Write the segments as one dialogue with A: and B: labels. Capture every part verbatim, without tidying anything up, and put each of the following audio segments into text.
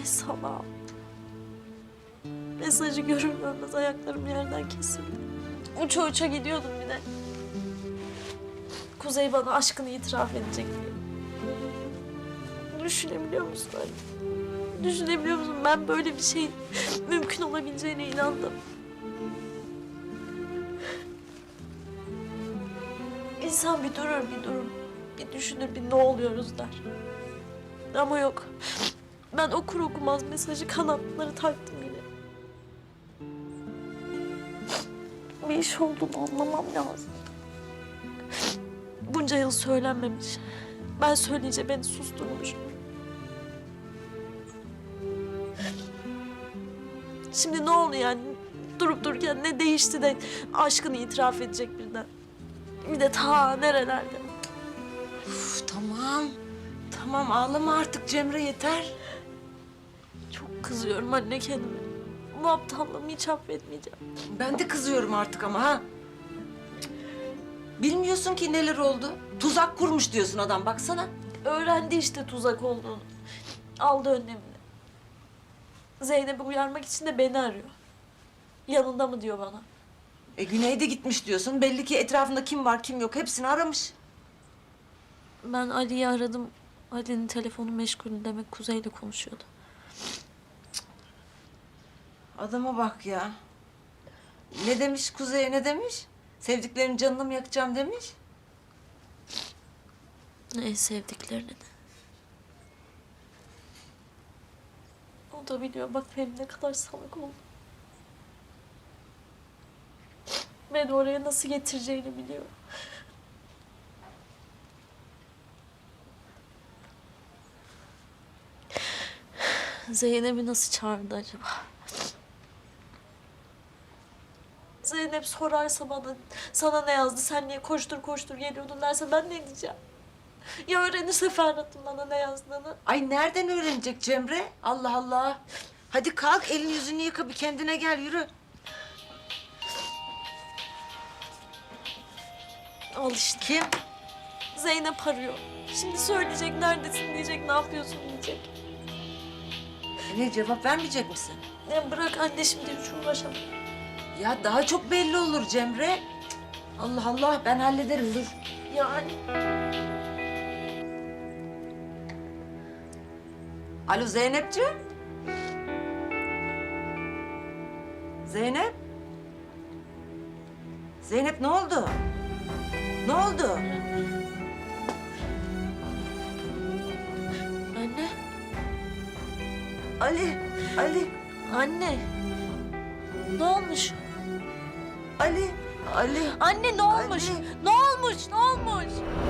A: Salam. Mesajı görür görmez ayaklarım yerden kesildi. Uça uça gidiyordum bir de. Kuzey bana aşkını itiraf edecek diye. Düşünebiliyor musun anne? Düşünebiliyor musun? Ben böyle bir şeyin mümkün olabileceğine inandım. İnsan bir durur, bir durur. Bir düşünür, bir ne oluyoruz der. Ama yok. Ben okur okumaz mesajı kanatları taktım yine. Bir iş olduğunu anlamam lazım. Bunca yıl söylenmemiş. Ben söyleyince beni susturmuş. Şimdi ne oldu yani? Durup dururken ne değişti de aşkını itiraf edecek birden. Bir de ta nerelerde.
B: Uf, tamam. Tamam ağlama artık Cemre yeter.
A: Çok kızıyorum anne kendime. Bu aptallığımı hiç affetmeyeceğim.
B: Ben de kızıyorum artık ama ha. Bilmiyorsun ki neler oldu. Tuzak kurmuş diyorsun adam baksana.
A: Öğrendi işte tuzak olduğunu. Aldı önlemini. Zeynep'i uyarmak için de beni arıyor. Yanında mı diyor bana.
B: E Güney'de gitmiş diyorsun. Belli ki etrafında kim var kim yok hepsini aramış.
A: Ben Ali'yi aradım. Ali'nin telefonu meşgul demek Kuzey'le konuşuyordu.
B: Adama bak ya. Ne demiş Kuzey'e ne demiş? Sevdiklerinin canını mı yakacağım demiş.
A: En sevdiklerini de. O da biliyor bak benim ne kadar salak oldum. Beni oraya nasıl getireceğini biliyor. Zeynep'i nasıl çağırdı acaba? Zeynep sorarsa bana, sana ne yazdı, sen niye koştur koştur geliyordun derse ben ne diyeceğim? Ya öğrenirse Ferhat'ın bana ne yazdığını?
B: Ay nereden öğrenecek Cemre? Allah Allah. Hadi kalk elini yüzünü yıka bir kendine gel yürü.
A: Al işte.
B: Kim?
A: Zeynep arıyor. Şimdi söyleyecek, neredesin diyecek, ne yapıyorsun diyecek.
B: E ne cevap vermeyecek misin?
A: Ya bırak anne şimdi hiç uğraşamam.
B: Ya daha çok belli olur Cemre. Cık, Allah Allah ben hallederim dur.
A: Yani
B: Alo Zeynepciğim. Zeynep. Zeynep ne oldu? Ne oldu?
A: anne,
B: Ali, Ali,
A: anne. Ne olmuş?
B: Ali, Ali.
A: Anne ne olmuş?
B: Ali.
A: Ne olmuş? Ne olmuş?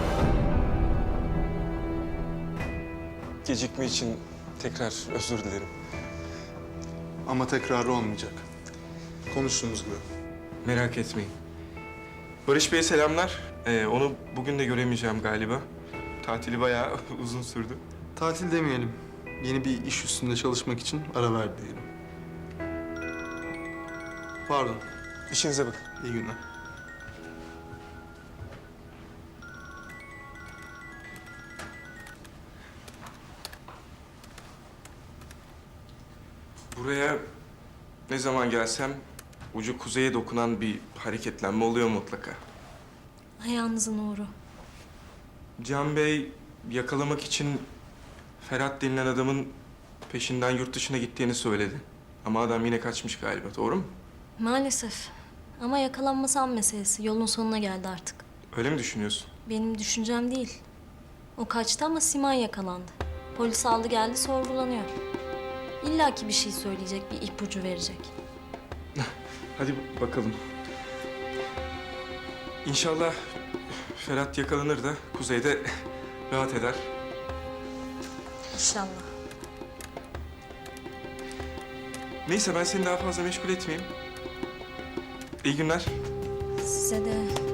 C: Gecikme için tekrar özür dilerim.
D: Ama tekrarı olmayacak. Konuştuğumuz gibi.
C: Merak etmeyin. Barış Bey'e selamlar. Ee, onu bugün de göremeyeceğim galiba. Tatili bayağı uzun sürdü.
D: Tatil demeyelim. Yeni bir iş üstünde çalışmak için ara verdi diyelim. Pardon.
C: İşinize bakın.
D: İyi günler.
C: Buraya ne zaman gelsem ucu kuzeye dokunan bir hareketlenme oluyor mutlaka.
A: Ayağınızın uğru.
C: Can Bey yakalamak için Ferhat denilen adamın peşinden yurt dışına gittiğini söyledi. Ama adam yine kaçmış galiba, doğru mu?
E: Maalesef. Ama yakalanması an meselesi. Yolun sonuna geldi artık.
C: Öyle mi düşünüyorsun?
E: Benim düşüncem değil. O kaçtı ama Simay yakalandı. Polis aldı geldi sorgulanıyor. İlla ki bir şey söyleyecek, bir ipucu verecek.
C: Hadi bakalım. İnşallah Ferhat yakalanır da kuzeyde rahat eder.
E: İnşallah.
C: Neyse ben seni daha fazla meşgul etmeyeyim. İyi günler.
E: Size de